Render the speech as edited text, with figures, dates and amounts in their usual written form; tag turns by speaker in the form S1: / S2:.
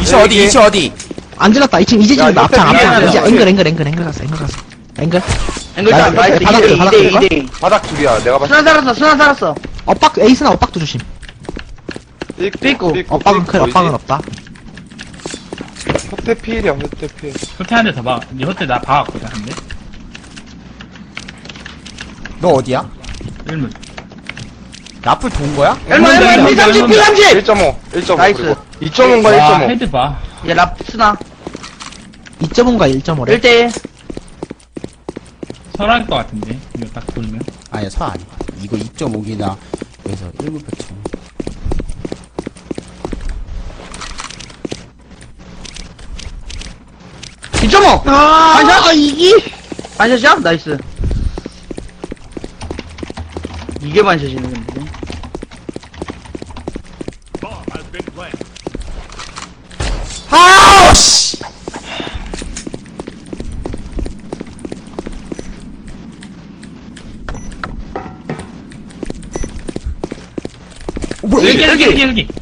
S1: 2층 어디? 2층 어디?
S2: 안 질렀다. 2층 이제
S3: 야,
S2: 질렀다. 앞장
S3: 미안해,
S2: 앞장. 이제
S3: 미안해.
S2: 앵글 갔어. 앵글.
S4: 앵글장
S2: 나이스.
S4: 나이스.
S2: 바닥
S4: 2대2
S2: 바닥
S4: 2대2
S2: 바닥
S4: 2대2.
S3: 바닥 둘이야. 내가 봤을
S4: 순환 살았어 순환 살았어.
S2: 엇박 에이스나 엇박도 조심.
S3: 때.
S4: 삐꾸.
S2: 엇박은 클 엇박은 없다.
S3: 호텔 필이야, 호텔 필.
S5: 호텔 한 대 더 봐. 니 호텔 나 봐왔거든, 한 대.
S1: 너 어디야?
S5: 일문.
S1: 나풀 돈 거야?
S4: 얼마 P30 P30.
S3: 1.5, 1.5.
S4: 나이스.
S3: 그리고 2.5과
S5: 와,
S3: 1.5.
S5: 헤드 봐.
S4: 이제 랍 스나
S2: 2.5가 1.5래.
S4: 1대1.
S5: 설할 것 같은데. 이거 딱 돌면.
S1: 아니야, 서 아니야. 이거 2.5기나, 그래서 1900천.
S4: 2.5. 반샷.
S2: 이기.
S4: 반샷이야? 나이스. 이게 반샷이네 근데.
S1: 아우, 씨! 뭐야?
S5: 여기.